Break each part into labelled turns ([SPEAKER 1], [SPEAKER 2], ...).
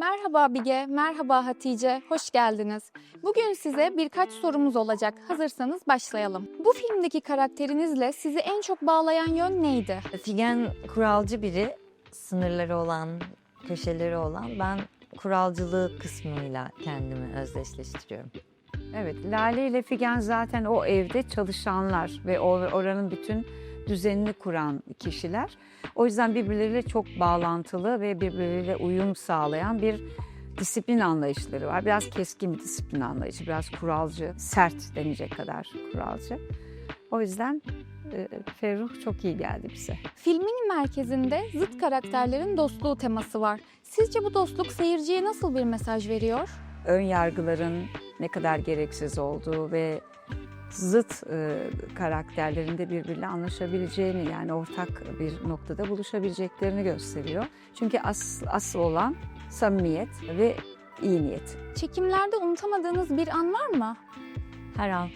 [SPEAKER 1] Merhaba Bige, merhaba Hatice, hoş geldiniz. Bugün size birkaç sorumuz olacak. Hazırsanız başlayalım. Bu filmdeki karakterinizle sizi en çok bağlayan yön neydi?
[SPEAKER 2] Figen kuralcı biri, sınırları olan, köşeleri olan. Ben kuralcılığı kısmıyla kendimi özdeşleştiriyorum.
[SPEAKER 3] Evet, Lale ile Figen zaten o evde çalışanlar ve oranın bütün düzenini kuran kişiler. O yüzden birbirleriyle çok bağlantılı ve birbirleriyle uyum sağlayan bir disiplin anlayışları var. Biraz keskin bir disiplin anlayışı, biraz kuralcı, sert denecek kadar kuralcı. O yüzden Ferruh çok iyi geldi bize.
[SPEAKER 1] Filmin merkezinde zıt karakterlerin dostluğu teması var. Sizce bu dostluk seyirciye nasıl bir mesaj veriyor?
[SPEAKER 3] Ön yargıların ne kadar gereksiz olduğu ve zıt karakterlerinde birbiriyle anlaşabileceğini, yani ortak bir noktada buluşabileceklerini gösteriyor. Çünkü asıl olan samimiyet ve iyi niyet.
[SPEAKER 1] Çekimlerde unutamadığınız bir an var mı?
[SPEAKER 2] Her an.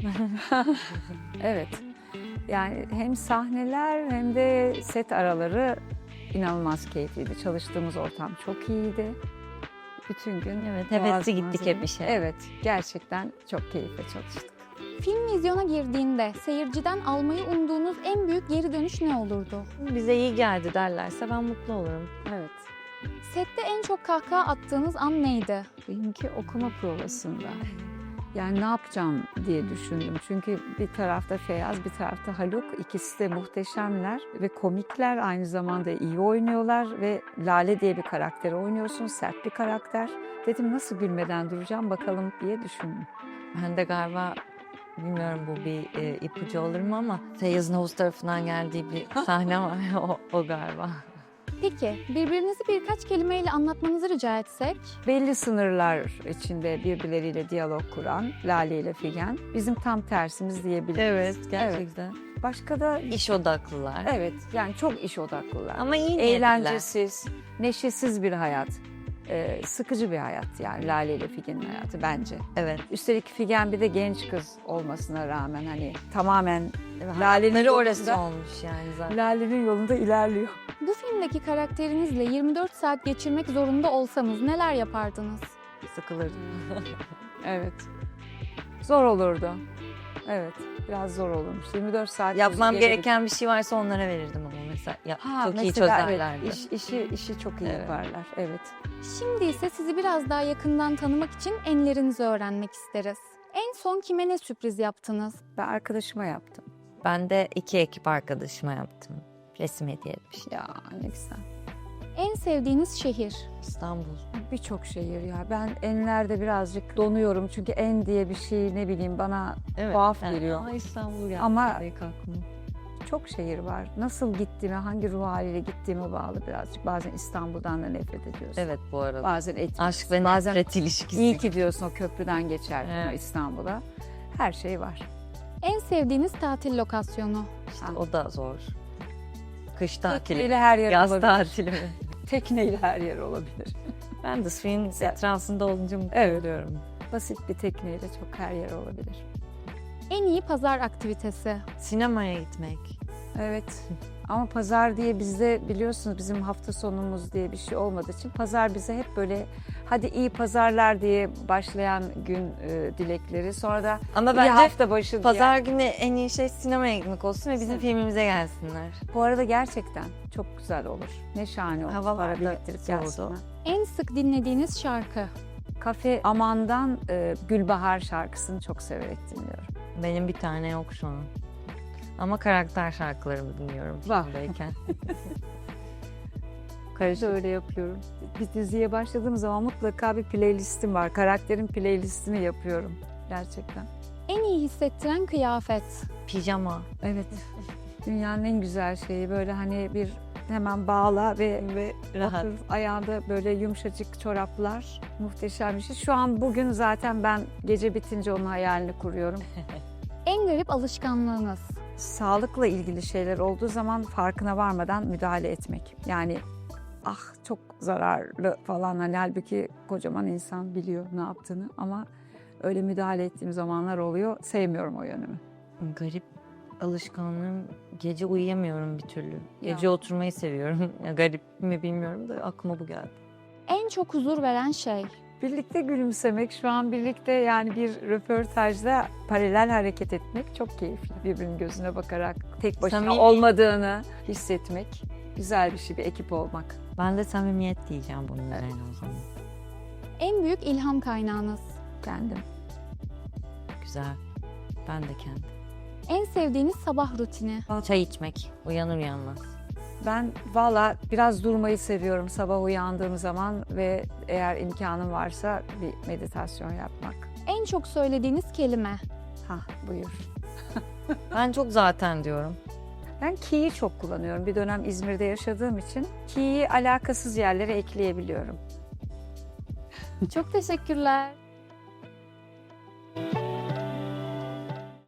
[SPEAKER 3] Evet, yani hem sahneler hem de set araları inanılmaz keyifliydi. Çalıştığımız ortam çok iyiydi. Bütün gün
[SPEAKER 2] Evet, hevesli
[SPEAKER 3] boğazımız-
[SPEAKER 2] gittik hep işe.
[SPEAKER 3] Evet, gerçekten çok keyifle çalıştık.
[SPEAKER 1] Film vizyona girdiğinde seyirciden almayı umduğunuz en büyük geri dönüş ne olurdu?
[SPEAKER 2] Bize iyi geldi derlerse ben mutlu olurum.
[SPEAKER 3] Evet.
[SPEAKER 1] Sette en çok kahkaha attığınız an neydi?
[SPEAKER 3] Benimki okuma provasında. Yani ne yapacağım diye düşündüm. Çünkü bir tarafta Feyyaz, bir tarafta Haluk. İkisi de muhteşemler ve komikler. Aynı zamanda iyi oynuyorlar ve Lale diye bir karakteri oynuyorsun. Sert bir karakter. Dedim nasıl gülmeden duracağım bakalım diye düşündüm.
[SPEAKER 2] Ben de galiba, bilmiyorum bu bir ipucu olur mu ama Feyyaz'ın havuz tarafından geldiği bir sahne var. o galiba.
[SPEAKER 1] Peki, birbirinizi birkaç kelimeyle anlatmanızı rica etsek?
[SPEAKER 3] Belli sınırlar içinde birbirleriyle diyalog kuran Lale ile Figen. Bizim tam tersimiz diyebiliriz.
[SPEAKER 2] Evet, gerçekten.
[SPEAKER 3] Başka da
[SPEAKER 2] İş odaklılar.
[SPEAKER 3] evet, yani çok iş odaklılar.
[SPEAKER 2] Ama iyi niyetliler.
[SPEAKER 3] Eğlencesiz, neşesiz bir hayat. Sıkıcı bir hayat yani Lale ile Figen'in hayatı bence.
[SPEAKER 2] Evet.
[SPEAKER 3] Üstelik Figen bir de genç kız olmasına rağmen hani tamamen Lale'nin
[SPEAKER 2] Hayatları orası
[SPEAKER 3] yolunda,
[SPEAKER 2] olmuş yani zaten.
[SPEAKER 3] Lale'nin yolunda ilerliyor.
[SPEAKER 1] Bu filmdeki karakterinizle 24 saat geçirmek zorunda olsanız neler yapardınız?
[SPEAKER 2] Sıkılırdım.
[SPEAKER 3] Evet. Zor olurdu. Evet, biraz zor olurmuş. 24 saat
[SPEAKER 2] Yapmam
[SPEAKER 3] gece-
[SPEAKER 2] gereken bir şey varsa onlara verirdim ama mesela. Çok iyi
[SPEAKER 3] mesela
[SPEAKER 2] çözerlerdi.
[SPEAKER 3] Evet, işi çok iyi
[SPEAKER 2] Evet.
[SPEAKER 3] yaparlar. Evet.
[SPEAKER 1] Şimdi ise sizi biraz daha yakından tanımak için enlerinizi öğrenmek isteriz. En son kime ne sürpriz yaptınız?
[SPEAKER 3] Ben arkadaşıma yaptım.
[SPEAKER 2] Ben de 2 ekip arkadaşıma yaptım. Resim hediye etmiştim.
[SPEAKER 3] Ya ne güzel.
[SPEAKER 1] En sevdiğiniz şehir?
[SPEAKER 2] İstanbul.
[SPEAKER 3] Birçok şehir ya. Ben enlerde birazcık donuyorum. Çünkü en diye bir şey ne bileyim bana tuhaf geliyor.
[SPEAKER 2] İstanbul geldi.
[SPEAKER 3] Ama
[SPEAKER 2] ilk aklıma.
[SPEAKER 3] çok şehir var. Nasıl gittiğime, hangi ruh haliyle gittiğime bağlı birazcık. Bazen İstanbul'dan da nefret ediyorsun.
[SPEAKER 2] Evet bu arada.
[SPEAKER 3] Bazen etmiyorsun.
[SPEAKER 2] Aşk ve
[SPEAKER 3] Bazen
[SPEAKER 2] nefret ilişkisi.
[SPEAKER 3] iyi ki diyorsun o köprüden geçerken
[SPEAKER 2] Evet.
[SPEAKER 3] İstanbul'a. Her şey var.
[SPEAKER 1] En sevdiğiniz tatil lokasyonu?
[SPEAKER 2] İşte o da zor. Kış tatili.
[SPEAKER 3] Tekneyle her yer
[SPEAKER 2] Yaz
[SPEAKER 3] olabilir.
[SPEAKER 2] tatili mi?
[SPEAKER 3] Tekneyle her yer olabilir.
[SPEAKER 2] Ben de suyun etrafında olunca mutlu
[SPEAKER 3] Evet.
[SPEAKER 2] oluyorum.
[SPEAKER 3] Basit bir tekneyle çok her yer olabilir.
[SPEAKER 1] En iyi pazar aktivitesi?
[SPEAKER 2] Sinemaya gitmek.
[SPEAKER 3] Evet. Ama pazar diye bizde biliyorsunuz bizim hafta sonumuz diye bir şey olmadığı için pazar bize hep böyle hadi iyi pazarlar diye başlayan gün dilekleri. Sonra da
[SPEAKER 2] Ama
[SPEAKER 3] iyi
[SPEAKER 2] bence
[SPEAKER 3] hafta başı diye.
[SPEAKER 2] pazar günü en iyi şey sinemaya gitmek olsun ve bizim filmimize gelsinler.
[SPEAKER 3] Bu arada gerçekten çok güzel olur. Ne şahane olur.
[SPEAKER 2] Havalar
[SPEAKER 3] Para
[SPEAKER 2] da
[SPEAKER 3] biriktirip
[SPEAKER 2] soğudu.
[SPEAKER 3] gelsinler.
[SPEAKER 1] En sık dinlediğiniz şarkı?
[SPEAKER 3] Kafe Aman'dan Gülbahar şarkısını çok severek dinliyorum.
[SPEAKER 2] Benim bir tane yok şu an. Ama karakter şarkılarımı dinliyorum
[SPEAKER 3] Var.
[SPEAKER 2] filmdeyken.
[SPEAKER 3] Karışık öyle yapıyorum. Bir diziye başladığım zaman mutlaka bir playlistim var. Karakterin playlistini yapıyorum. Gerçekten.
[SPEAKER 1] En iyi hissettiren kıyafet?
[SPEAKER 2] Pijama.
[SPEAKER 3] Evet. Dünyanın en güzel şeyi böyle hani bir hemen bağla ve
[SPEAKER 2] Rahat.
[SPEAKER 3] otur, ayağında böyle yumuşacık çoraplar. Muhteşem bir şey. Şu an bugün zaten ben gece bitince onun hayalini kuruyorum.
[SPEAKER 1] En garip alışkanlığınız?
[SPEAKER 3] Sağlıkla ilgili şeyler olduğu zaman farkına varmadan müdahale etmek. Yani ah çok zararlı falan hani halbuki kocaman insan biliyor ne yaptığını ama öyle müdahale ettiğim zamanlar oluyor. Sevmiyorum o yönümü.
[SPEAKER 2] Garip alışkanlığım, gece uyuyamıyorum bir türlü. Gece
[SPEAKER 3] Ya.
[SPEAKER 2] oturmayı seviyorum. Ya garip mi bilmiyorum da aklıma bu geldi.
[SPEAKER 1] en çok huzur veren şey?
[SPEAKER 3] Birlikte gülümsemek, şu an birlikte yani bir röportajda paralel hareket etmek çok keyifli. Birbirinin gözüne bakarak tek başına
[SPEAKER 2] Samimi.
[SPEAKER 3] olmadığını hissetmek güzel bir şey, bir ekip olmak.
[SPEAKER 2] Ben de samimiyet diyeceğim bunun üzerine o zaman.
[SPEAKER 1] En büyük ilham kaynağınız?
[SPEAKER 3] Kendim.
[SPEAKER 2] Güzel. Ben de kendim.
[SPEAKER 1] En sevdiğiniz sabah rutini?
[SPEAKER 2] Çay içmek. Uyanır uyanmaz.
[SPEAKER 3] Ben valla biraz durmayı seviyorum sabah uyandığım zaman ve eğer imkanım varsa bir meditasyon yapmak.
[SPEAKER 1] En çok söylediğiniz kelime?
[SPEAKER 3] Buyur.
[SPEAKER 2] Ben çok zaten diyorum.
[SPEAKER 3] Ben ki'yi çok kullanıyorum. Bir dönem İzmir'de yaşadığım için ki'yi alakasız yerlere ekleyebiliyorum.
[SPEAKER 1] Çok teşekkürler.